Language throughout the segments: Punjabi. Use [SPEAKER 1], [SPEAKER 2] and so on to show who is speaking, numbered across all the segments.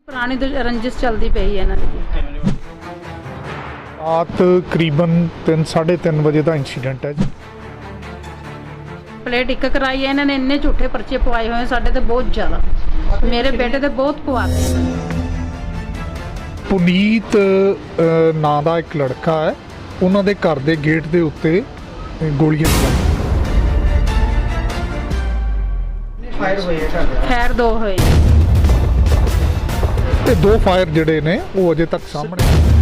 [SPEAKER 1] ਪੁਰਾਣੀ ਰੰਜਿਸ਼ ਚੱਲਦੀ ਪਈ ਹੈ ਇਹਨਾਂ ਦੀ।
[SPEAKER 2] ਰਾਤ ਤਕਰੀਬਨ 3:30 ਵਜੇ ਦਾ ਇਨਸੀਡੈਂਟ ਹੈ ਜੀ।
[SPEAKER 1] ਪਲੇਟ ਇੱਕ ਕਰਾਈ ਹੈ ਇਹਨਾਂ ਨੇ, ਇੰਨੇ ਝੂਠੇ ਪਰਚੇ ਪਵਾਏ ਹੋਏ ਸਾਡੇ ਤੇ ਬਹੁਤ ਜ਼ਿਆਦਾ। ਮੇਰੇ ਬੇਟੇ ਤੇ ਬਹੁਤ ਪਵਾਤੇ।
[SPEAKER 2] ਪੁਨੀਤ ਨਾਂ ਦਾ ਇੱਕ ਲੜਕਾ ਹੈ, ਉਹਨਾਂ ਦੇ ਘਰ ਦੇ ਗੇਟ ਦੇ ਉੱਤੇ ਗੋਲੀਆਂ ਚਲਾਈਆਂ।
[SPEAKER 3] ਫਾਇਰ ਹੋਏ ਆ
[SPEAKER 1] ਖੈਰ ਦੋ ਹੋਏ
[SPEAKER 2] ਤੇ 2 ਫਾਇਰ ਜਿਹੜੇ ਨੇ ਉਹ ਅਜੇ ਤੱਕ ਸਾਹਮਣੇ।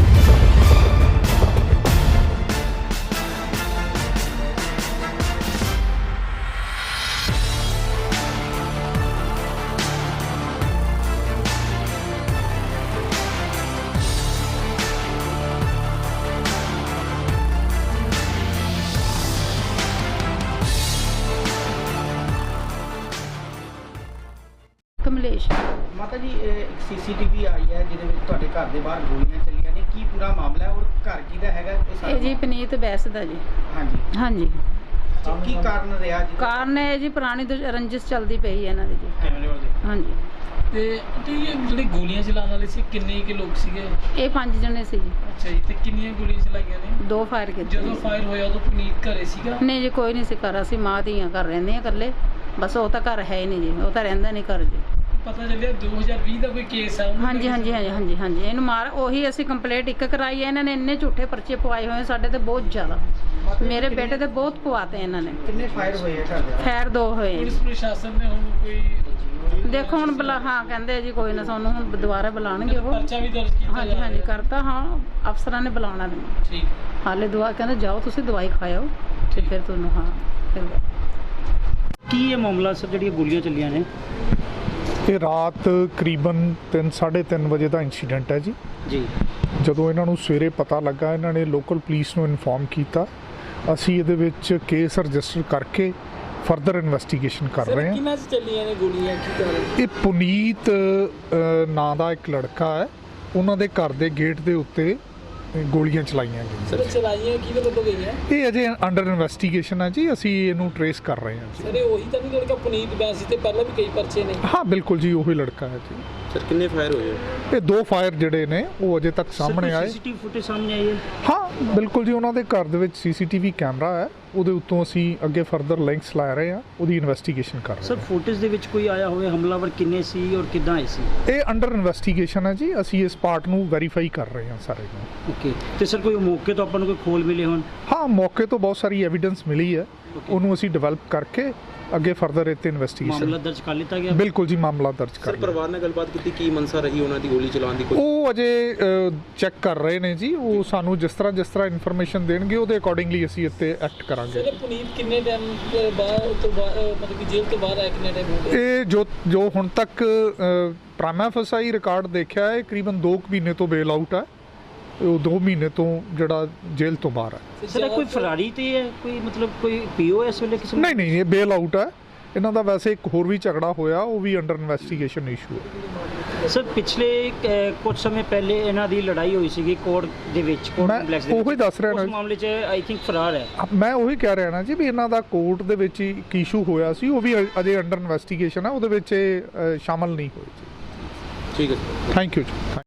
[SPEAKER 1] ਕਮਲੇਸ਼
[SPEAKER 3] ਮਾਤਾ ਜੀ ਇੱਕ ਸੀਸੀਟੀਵੀ ਆਈ ਹੈ ਜਿਹਦੇ ਵਿੱਚ ਤੁਹਾਡੇ ਘਰ ਦੇ ਬਾਹਰ ਗੋਲੀਆਂ ਚੱਲੀਆਂ ਨੇ, ਕੀ ਪੂਰਾ ਮਾਮਲਾ ਹੈ ਔਰ ਘਰ ਕਿਹਦਾ ਹੈਗਾ
[SPEAKER 1] ਇਹ ਜੀ ਪਨੀਤ ਬੈਸ ਦਾ ਜੀ।
[SPEAKER 3] ਹਾਂਜੀ
[SPEAKER 1] ਹਾਂਜੀ
[SPEAKER 3] ਕੀ ਕਾਰਨ ਰਿਹਾ ਜੀ?
[SPEAKER 1] ਕਾਰਨ ਹੈ ਜੀ ਪੁਰਾਣੀ ਰੰਜਿਸ਼ ਚੱਲਦੀ ਪਈ ਹੈ ਇਹਨਾਂ ਦੀ ਜੀ। ਹਾਂਜੀ
[SPEAKER 4] ਤੇ ਜਿਹੜੇ ਗੋਲੀਆਂ ਚਲਾਉਣ ਵਾਲੇ ਸੀ ਕਿੰਨੇ ਕਿ ਲੋਕ ਸੀਗੇ?
[SPEAKER 1] ਇਹ 5 ਜਣੇ ਸੀ ਜੀ।
[SPEAKER 4] ਅੱਛਾ ਜੀ, ਤੇ ਕਿੰਨੀਆਂ ਗੋਲੀਆਂ ਚਲਾਈਆਂ ਨੇ?
[SPEAKER 1] 2 ਫਾਇਰ ਕੀਤੇ।
[SPEAKER 4] ਜਦੋਂ ਫਾਇਰ ਹੋਇਆ ਉਦੋਂ ਪੁਨੀਤ ਘਰੇ ਸੀਗਾ?
[SPEAKER 1] ਨਹੀਂ ਜੀ, ਕੋਈ ਨਹੀਂ ਸੀ ਘਰ। ਅਸੀਂ ਮਾਂ ਧੀਆਂ ਘਰ ਰਹਿੰਦੇ ਆ ਇਕੱਲੇ, ਬਸ ਉਹ ਤਾਂ ਘਰ ਹੈ ਹੀ ਨਹੀਂ ਜੀ, ਉਹ ਤਾਂ ਰਹਿੰਦਾ ਨਹੀਂ ਘਰ ਜੀ।
[SPEAKER 4] ਪਤਾ ਚੱਲਿਆ 2020 ਦਾ ਕੋਈ ਕੇਸ ਆ?
[SPEAKER 1] ਹਾਂਜੀ ਹਾਂਜੀ ਹਾਂਜੀ ਹਾਂਜੀ ਹਾਂਜੀ ਇਹਨੂੰ ਮਾਰ ਉਹੀ ਅਸੀਂ ਕੰਪਲੇਂਟ ਇੱਕ ਕਰਾਈ ਹੈ ਇਹਨਾਂ ਨੇ, ਇੰਨੇ ਝੂਠੇ ਪਰਚੇ ਪਵਾਏ ਹੋਏ ਸਾਡੇ ਤੇ ਬਹੁਤ ਜ਼ਿਆਦਾ। ਮੇਰੇ ਬੇਟੇ ਤੇ ਬਹੁਤ ਪਵਾਤੇ ਇਹਨਾਂ ਨੇ।
[SPEAKER 3] ਕਿੰਨੇ ਫਾਇਰ ਹੋਏ ਆ
[SPEAKER 1] ਖੈਰ 2 ਹੋਏ।
[SPEAKER 4] ਪੁਲਿਸ ਪ੍ਰਸ਼ਾਸਨ ਨੇ ਹੁਣ ਕੋਈ
[SPEAKER 1] ਦੇਖੋ ਹੁਣ ਹਾਂ ਕਹਿੰਦੇ ਜੀ ਕੋਈ ਨਾ ਸਾਨੂੰ ਹੁਣ ਦੁਬਾਰਾ ਬੁਲਾਣਗੇ ਉਹ।
[SPEAKER 4] ਪਰਚਾ ਵੀ ਦਰਜ ਕੀਤਾ?
[SPEAKER 1] ਹਾਂਜੀ ਹਾਂਜੀ ਕਰਤਾ, ਹਾਂ ਅਫਸਰਾਂ ਨੇ ਬੁਲਾਉਣਾ ਮੈਨੂੰ।
[SPEAKER 4] ਠੀਕ।
[SPEAKER 1] ਹਾਲੇ ਦਵਾ ਕਹਿੰਦੇ ਜਾਓ ਤੁਸੀਂ ਦਵਾਈ ਖਾਓ ਤੇ ਫਿਰ ਤੁਹਾਨੂੰ ਹਾਂ ਫਿਰ
[SPEAKER 5] ਕੀ ਇਹ ਮਾਮਲਾ ਸਰ ਜਿਹੜੀਆਂ ਗੋਲੀਆਂ ਚੱਲੀਆਂ ਨੇ?
[SPEAKER 2] ਇਹ ਰਾਤ ਤਕਰੀਬਨ 3:30 ਵਜੇ ਦਾ ਇਨਸੀਡੈਂਟ ਹੈ ਜੀ।
[SPEAKER 5] ਜੀ।
[SPEAKER 2] ਜਦੋਂ ਇਹਨਾਂ ਨੂੰ ਸਵੇਰੇ ਪਤਾ ਲੱਗਾ, ਇਹਨਾਂ ਨੇ ਲੋਕਲ ਪੁਲਿਸ ਨੂੰ ਇਨਫੋਰਮ ਕੀਤਾ। ਅਸੀਂ ਇਹਦੇ ਵਿੱਚ ਕੇਸ ਰਜਿਸਟਰ ਕਰਕੇ ਫਰਦਰ ਇਨਵੈਸਟੀਗੇਸ਼ਨ ਕਰ ਰਹੇ ਹਾਂ।
[SPEAKER 4] ਕਿੰਨਾਂ 'ਚ ਚੱਲੀਆਂ ਨੇ ਗੋਲੀਆਂ, ਕੀ ਕਾਰਨ?
[SPEAKER 2] ਇਹ ਪੁਨੀਤ ਨਾਂ ਦਾ ਇੱਕ ਲੜਕਾ ਹੈ, ਉਹਨਾਂ ਦੇ ਘਰ ਦੇ ਗੇਟ ਦੇ ਉੱਤੇ ਗੋਲੀਆਂ ਚਲਾਈਆਂ ਗਈਆਂ।
[SPEAKER 4] ਸਰ ਚਲਾਈਆਂ ਕਿਹਦੇ ਵੱਲੋਂ ਗਈਆਂ?
[SPEAKER 2] ਇਹ ਅਜੇ ਅੰਡਰ ਇਨਵੈਸਟੀਗੇਸ਼ਨ ਹੈ ਜੀ, ਅਸੀਂ ਇਹਨੂੰ ਟਰੇਸ ਕਰ ਰਹੇ ਹਾਂ ਜੀ।
[SPEAKER 4] ਸਰ ਇਹ ਉਹੀ ਤਾਂ ਨਹੀਂ ਲੜਕਾ ਪੁਨੀਤ ਬੈਂਸ ਤੇ ਪਹਿਲਾਂ ਵੀ ਕਈ ਪਰਚੇ ਨੇ?
[SPEAKER 2] ਹਾਂ ਬਿਲਕੁਲ ਜੀ, ਉਹੀ ਲੜਕਾ ਹੈ ਜੀ।
[SPEAKER 6] ਸਰ ਕਿੰਨੇ ਫਾਇਰ ਹੋਏ?
[SPEAKER 2] ਇਹ 2 ਫਾਇਰ ਜਿਹੜੇ ਨੇ ਉਹ ਅਜੇ ਤੱਕ ਸਾਹਮਣੇ ਆਏ।
[SPEAKER 5] ਸੀਸੀਟੀਵੀ ਫੁਟੇਜ ਸਾਹਮਣੇ ਆਈ ਹੈ?
[SPEAKER 2] ਹਾਂ ਬਿਲਕੁਲ ਜੀ, ਉਹਨਾਂ ਦੇ ਘਰ ਦੇ ਵਿੱਚ ਸੀਸੀਟੀਵੀ ਕੈਮਰਾ ਹੈ, ਉਹਦੇ ਉੱਤੋਂ ਅਸੀਂ ਅੱਗੇ ਫਰਦਰ ਲਿੰਕਸ ਲਾ ਰਹੇ ਹਾਂ, ਉਹਦੀ ਇਨਵੈਸਟੀਗੇਸ਼ਨ ਕਰ ਰਹੇ
[SPEAKER 5] ਸਰ
[SPEAKER 2] ਹਾਂ।
[SPEAKER 5] ਫੁਟੇਜ ਦੇ ਵਿੱਚ ਕੋਈ ਆਇਆ ਹੋਵੇ ਹਮਲਾਵਰ ਕਿੰਨੇ ਸੀ ਔਰ ਕਿੱਦਾਂ ਆਏ ਸੀ?
[SPEAKER 2] ਇਹ ਅੰਡਰ ਇਨਵੈਸਟੀਗੇਸ਼ਨ ਹੈ ਜੀ, ਅਸੀਂ ਇਸ ਪਾਰਟ ਨੂੰ ਵੈਰੀਫਾਈ ਕਰ ਰਹੇ ਹਾਂ ਸਾਰੇ ਨੂੰ।
[SPEAKER 5] ਓਕੇ। ਤੇ ਸਰ ਕੋਈ ਮੌਕੇ ਤੋਂ ਆਪਾਂ ਨੂੰ ਕੋਈ ਖੋਲ ਮਿਲੇ ਹੋਣ?
[SPEAKER 2] ਹਾਂ ਮੌਕੇ ਤੋਂ ਬਹੁਤ ਸਾਰੀ ਐਵੀਡੈਂਸ ਮਿਲੀ ਹੈ, ਉਹਨੂੰ ਅਸੀਂ ਡਿਵੈਲਪ ਕਰਕੇ ਅੱਗੇ ਫਰਦਰ ਇੱਥੇ ਇਨਵੈਸਟੀਗੇਸ਼ਨ।
[SPEAKER 5] ਮਾਮਲਾ ਦਰਜ ਕਰ ਲਿੱਤਾ ਗਿਆ?
[SPEAKER 2] ਬਿਲਕੁਲ ਜੀ, ਮਾਮਲਾ ਦਰਜ ਕਰ
[SPEAKER 6] ਸਰ
[SPEAKER 2] ਲਿਆ।
[SPEAKER 6] ਪਰਿਵਾਰ ਨਾਲ ਗੱਲਬਾਤ ਕੀਤੀ, ਕੀ ਮਨਸਾ ਰਹੀ ਉਹਨਾਂ ਦੀ ਗੋਲੀ ਚਲਾਉਣ ਦੀ? ਕੋਈ
[SPEAKER 2] ਉਹ ਅਜੇ ਚੈੱਕ ਕਰ ਰਹੇ ਨੇ ਜੀ, ਉਹ ਸਾਨੂੰ ਜਿਸ ਤਰ੍ਹਾਂ ਇਨਫੋਰਮੇਸ਼ਨ ਦੇਣਗੇ ਉਹਦੇ ਅਕੋਰਡਿੰਗਲੀ ਅਸੀਂ ਇੱਥੇ ਐਕਟ ਕਰਾਂਗੇ।
[SPEAKER 4] ਸਰ ਪੁਨੀਤ ਕਿੰਨੇ ਟਾਈਮ ਬਾਅਦ ਮਤਲਬ ਕਿ ਜੇਲ੍ਹ ਤੋਂ ਬਾਹਰ ਆਇਆ, ਕਿੰਨੇ ਟਾਈਮ ਹੋ ਗਿਆ?
[SPEAKER 2] ਇਹ ਜੋ ਹੁਣ ਤੱਕ ਪ੍ਰਾਈਮਾ ਫਸਾਈ ਰਿਕਾਰਡ ਦੇਖਿਆ ਹੈ, ਕਰੀਬਨ 2 ਮਹੀਨੇ ਤੋਂ ਬੇਲ ਆਊਟ ਹੈ। ਉਹ 2 ਮਹੀਨੇ ਤੋਂ ਜਿਹੜਾ ਜੇਲ੍ਹ ਤੋਂ ਬਾਹਰ ਹੈ।
[SPEAKER 5] ਸਰ ਇਹ ਕੋਈ ਫਰਾਰੀ ਤੇ ਹੈ, ਕੋਈ ਮਤਲਬ ਕੋਈ ਪੀਓ ਇਸ ਵੇਲੇ ਕਿਸੇ?
[SPEAKER 2] ਨਹੀਂ ਇਹ ਬੇਲ ਆਊਟ ਹੈ। ਇਹਨਾਂ ਦਾ ਵੈਸੇ ਇੱਕ ਹੋਰ ਵੀ ਝਗੜਾ ਹੋਇਆ, ਉਹ ਵੀ ਅੰਡਰ ਇਨਵੈਸਟੀਗੇਸ਼ਨ ਇਸ਼ੂ ਹੈ।
[SPEAKER 5] ਸਰ ਪਿਛਲੇ ਕੁਝ ਸਮੇਂ ਪਹਿਲੇ ਇਹਨਾਂ ਦੀ ਲੜਾਈ ਹੋਈ ਸੀਗੀ ਕੋਰਟ ਦੇ ਵਿੱਚ, ਕੋਰਟ
[SPEAKER 2] ਮੈਂ
[SPEAKER 5] ਕੰਪਲੈਕਸ ਦੇ
[SPEAKER 2] ਉਹੀ
[SPEAKER 5] ਵਿੱਚ।
[SPEAKER 2] ਦੱਸ ਰਿਹਾ
[SPEAKER 5] ਉਸ
[SPEAKER 2] ਨਾ,
[SPEAKER 5] ਮਾਮਲੇ 'ਚ ਆਈ ਥਿੰਕ ਫਰਾਰ ਹੈ।
[SPEAKER 2] ਮੈਂ ਉਹੀ ਕਹਿ ਰਿਹਾ ਨਾ ਜੀ ਵੀ ਇਹਨਾਂ ਦਾ ਕੋਰਟ ਦੇ ਵਿੱਚ ਹੀ ਇੱਕ ਇਸ਼ੂ ਹੋਇਆ ਸੀ, ਉਹ ਵੀ ਅਜੇ ਅੰਡਰ ਇਨਵੈਸਟੀਗੇਸ਼ਨ ਹੈ, ਉਹਦੇ ਵਿੱਚ ਇਹ ਸ਼ਾਮਲ ਨਹੀਂ ਹੋਏ ਜੀ।
[SPEAKER 6] ਠੀਕ ਹੈ।
[SPEAKER 2] ਥੈਂਕ ਯੂ ਜੀ।